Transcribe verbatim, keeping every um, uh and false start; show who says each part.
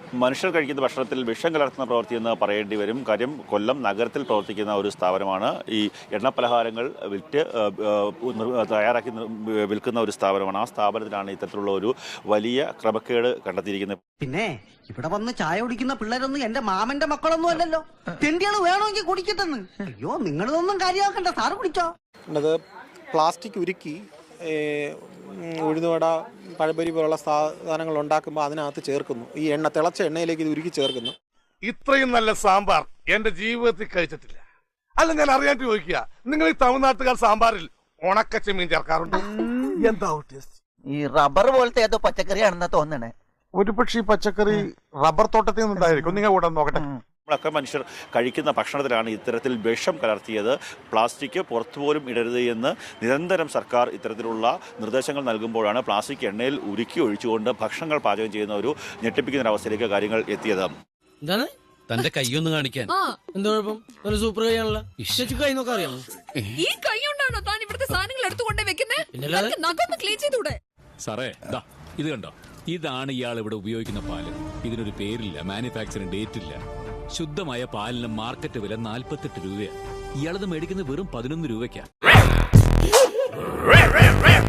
Speaker 1: മനുഷ്യർ കഴിക്കുന്ന ഭക്ഷണത്തിൽ വിഷം കലർത്തുന്ന പ്രവൃത്തി എന്ന് പറയേണ്ടി വരും. കാര്യം കൊല്ലം നഗരത്തിൽ പ്രവർത്തിക്കുന്ന ഒരു സ്ഥാപനമാണ് ഈ എണ്ണപ്പലഹാരങ്ങൾ വിറ്റ് തയ്യാറാക്കി വിൽക്കുന്ന ഒരു സ്ഥാപനമാണ്. ആ സ്ഥാപനത്തിലാണ് ഇത്തരത്തിലുള്ള ഒരു വലിയ ക്രമക്കേട് കണ്ടെത്തിയിരിക്കുന്നത്.
Speaker 2: പിന്നെ ഇവിടെ വന്ന് ചായ കുടിക്കുന്ന പിള്ളേരൊന്നും എന്റെ മാമന്റെ മക്കളൊന്നും അല്ലല്ലോ. തെണ്ടികള് വേണമെങ്കിൽ കുടിക്കട്ടെന്ന്. അയ്യോ, നിങ്ങളിതൊന്നും കാര്യമാക്കണ്ട, സാറ് കുടിച്ചോ.
Speaker 3: പ്ലാസ്റ്റിക് ഉരുക്കി ഉഴുന്നുവട പഴംപൊരി പോലുള്ള സാധനങ്ങൾ ഉണ്ടാക്കുമ്പോൾ അതിനകത്ത് ചേർക്കുന്നു. ഈ എണ്ണ തിളച്ച എണ്ണയിലേക്ക് ഇത് ഉരുക്കി ചേർക്കുന്നു.
Speaker 4: ഇത്രയും നല്ല സാമ്പാർ എന്റെ ജീവിതത്തിൽ കഴിച്ചിട്ടില്ല. അല്ല, ഞാൻ അറിയാണ്ട് ചോദിക്കുക, നിങ്ങൾ ഈ തമിഴ്നാട്ടുകാർ സാമ്പാറിൽ ഉണക്കച്ചെമ്മീൻ ചേർക്കാറുണ്ട്? എന്താ
Speaker 5: ഈ റബ്ബർ പോലത്തെ ഏതോ പച്ചക്കറിയാണെന്നാ തോന്നണേ.
Speaker 4: ഒരു പക്ഷേ പച്ചക്കറി റബ്ബർ തോട്ടത്തിൽ നിന്നുണ്ടായിരിക്കും. നിങ്ങൾ കൂടെ നോക്കട്ടെ.
Speaker 1: നമ്മളൊക്കെ മനുഷ്യർ കഴിക്കുന്ന ഭക്ഷണത്തിലാണ് ഇത്തരത്തിൽ വിഷം കലർത്തിയത്. പ്ലാസ്റ്റിക് പുറത്തുപോലും ഇടരുത് എന്ന് നിരന്തരം സർക്കാർ ഇത്തരത്തിലുള്ള നിർദ്ദേശങ്ങൾ നൽകുമ്പോഴാണ് പ്ലാസ്റ്റിക് എണ്ണയിൽ ഉരുക്കി ഒഴിച്ചുകൊണ്ട് ഭക്ഷണങ്ങൾ പാചകം ചെയ്യുന്ന ഒരു ഞെട്ടിപ്പിക്കുന്ന ഒരവസ്ഥയിലേക്ക് കാര്യങ്ങൾ എത്തിയത്.
Speaker 6: എന്താണ് തന്റെ കൈയൊന്ന് കാണിക്കാൻ? എന്താ കുഴപ്പം? നല്ല സൂപ്പർ കൈയാണല്ലോ. കൈ നോക്കാൻ അറിയാമോ?
Speaker 7: ഈ കൈ കൊണ്ടാണോ താൻ ഇവിടുത്തെ സാധനങ്ങൾ എടുത്തുകൊണ്ടേ വെക്കുന്നത്?
Speaker 8: സാറേ, ഇത് കണ്ടോ? ഇതാണ് ഇയാൾ ഇവിടെ ഉപയോഗിക്കുന്ന പാല്. ഇതിനൊരു പേരില്ല, മാനുഫാക്ചറിംഗ് ഡേറ്റ് ഇല്ല. ശുദ്ധമായ പാലിന് മാർക്കറ്റ് വില നാൽപ്പത്തെട്ട് രൂപയാണ്. ഇയാളത് മേടിക്കുന്നത് വെറും പതിനൊന്ന് രൂപയ്ക്കാണ്.